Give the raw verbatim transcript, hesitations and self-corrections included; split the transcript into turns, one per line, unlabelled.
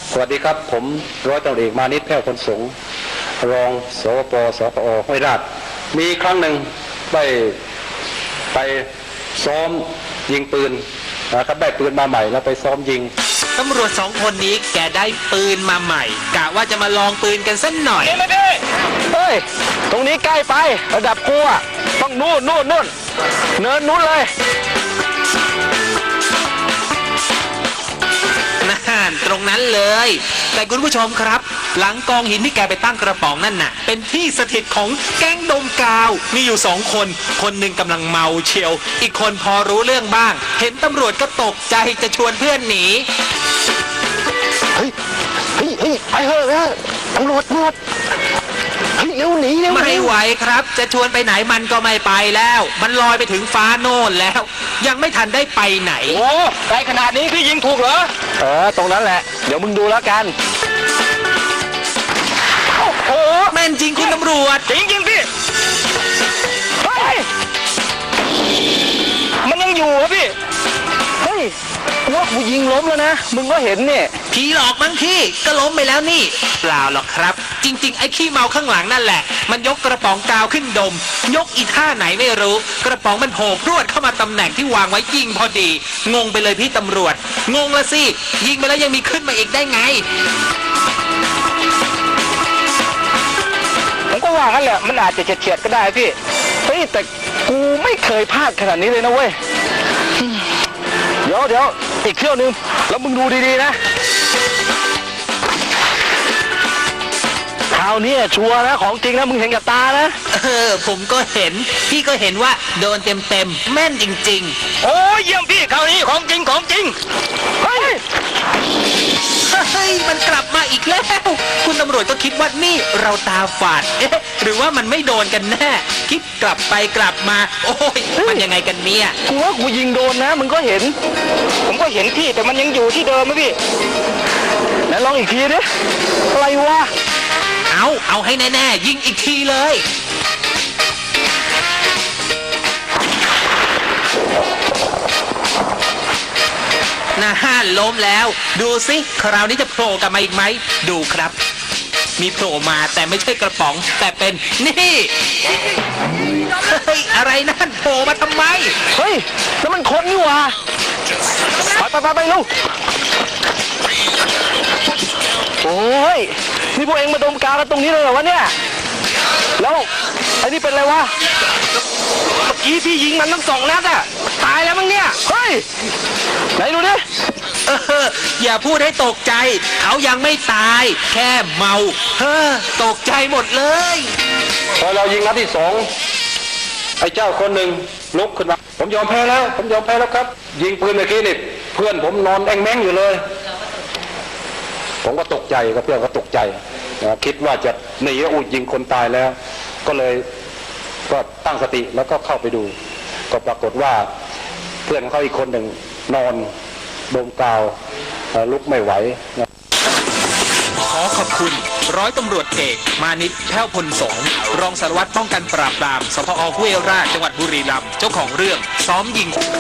สวัสดีครับผมร้อยตำรวจเอกมานิตแพ้วพลสงฆ์รองสวปสปอห้วยราชมีครั้งหนึ่งได้ไปซ้อมยิงปืนนะครับได้ปืนมาใหม่แล้วไปซ้อมยิง
ตำรวจสองคนนี้แกได้ปืนมาใหม่กะว่าจะมาลองปืนกันสักหน่อย
เฮ้ยตรงนี้ใกล้ไประดับกูอ่ะต้องนู่นนู่นนู่นเนินนู้นเลย
นั่นตรงนั้นเลยแต่คุณผู้ชมครับหลังกองหินที่แกไปตั้งกระป๋องนั่นน่ะเป็นที่สถิตของแก๊งดมกาวมีอยู่สองคนคนหนึ่งกำลังเมาเชียวอีกคนพอรู้เรื่องบ้างเห็นตำรวจก็ตกใจจะชวนเพื่อนหนี
เฮ้ยเฮ้ยเฮ้ยไปเถอะนะตำรวจตำรวจเฮ้ยเร็วหนีเร็ว
ไม่ไหวครับจะชวนไปไหนมันก็ไม่ไปแล้วมันลอยไปถึงฟ้าโน่นแล้วยังไม่ทันได้ไปไหน
โอ้ไกลขนาดนี้พี่ยิงถูกเหรอเออตรงนั้นแหละเดี๋ยวมึงดูแล้วกัน
โอ้โหแม่นจริงคุณตำรวจ
จริงจริงพี่เฮ้ยมันยังอยู่เหรอพี่เฮ้ยว่ากูยิงล้มแล้วนะมึงก็เห็นเนี่ย
ผีหลอกมั้งพี่ก็ล้มไปแล้วนี่เปล่าหรอกครับจริงๆไอ้ขี้เมาข้างหลังนั่นแหละมันยกกระป๋องกาวขึ้นดมยกอีท่าไหนไม่รู้กระป๋องมันโผล่พรวดเข้ามาตำแหน่งที่วางไว้ยิงพอดีงงไปเลยพี่ตำรวจงงละสิยิงไปแล้วยังมีขึ้นมาอีกได้ไง
ผมก็ว่างั้นแหละมันอาจจะเฉียดๆก็ได้พี่เฮ้ยแต่กูไม่เคยพลาดขนาดนี้เลยนะเว้ยเดี๋ยวเดี๋ยวอีกเที่ยวนึงแล้วมึงดูดีๆนะคราวนี้ชัวร์นะของจริงนะมึงเห็นกับตานะ
เออผมก็เห็นพี่ก็เห็นว่าโดนเต็มๆแม่นจริง
ๆโอ้ยเยี่ยมพี่คราวนี้ของจริงของจริงเฮ้ย
เฮ้ยมันกลับมาอีกแล้วคุณตำรวจก็คิดว่านี่เราตาฝาดเอ๊ะหรือว่ามันไม่โดนกันแน่คิดกลับไปกลับมาโอ้ยมันยังไงกันเนี่ย
กูว่ากูยิงโดนนะมึงก็เห็นผมก็เห็นพี่แต่มันยังอยู่ที่เดิมไหมพี่ไหนลองอีกทีดิอะไรวะ
เอาเอาให้แน่ๆยิงอีกทีเลยน่าห้านล้มแล้วดูสิคราวนี้จะโผล่กลับมาอีกไหมดูครับมีโผล่มาแต่ไม่ใช่กระป๋องแต่เป็นนี่เฮ้ยอะไรนั่นโผล่มาทำไม
เฮ้ยแล้วมันคนนี่หว่าไปไปไปไปลูกโอ้ยนี่พวกเองมาดมกาวกันตรงนี้เลยเหรอวะเนี่ยแล้วไอ้นี่เป็นอะไรวะเมื่อกี้พี่ยิงมันทั้งสองนัดอะตายแล้วมั้งเนี่ยเฮ้ยไหนดูดิ
เอออย่าพูดให้ตกใจเขายังไม่ตายแค่เมาเฮ้อตกใจหมดเลย
พอเรายิงนัดที่สองไอ้เจ้าคนหนึ่งลุกขึ้นมาผมยอมแพ้แล้วผมยอมแพ้แล้วครับยิงปืนเมื่อกี้นี่เพื่อนผมนอนแองแมงอยู่เลยผมก็ตกใจกับเพื่อนก็ตกใจคิดว่าจะหนีแล้วอุ้ยยิงคนตายแล้วก็เลยก็ตั้งสติแล้วก็เข้าไปดูก็ปรากฏว่าเพื่อนเขาอีกคนหนึ่งนอนดมกาวลุกไม่ไหว
ขอขอบคุณร้อยตำรวจเอกมานิตแพ้วพลสงฆ์รองสารวัตรป้องกันปราบปรามสพห้วยราชจังหวัดบุรีรัมย์เจ้าของเรื่องซ้อมยิง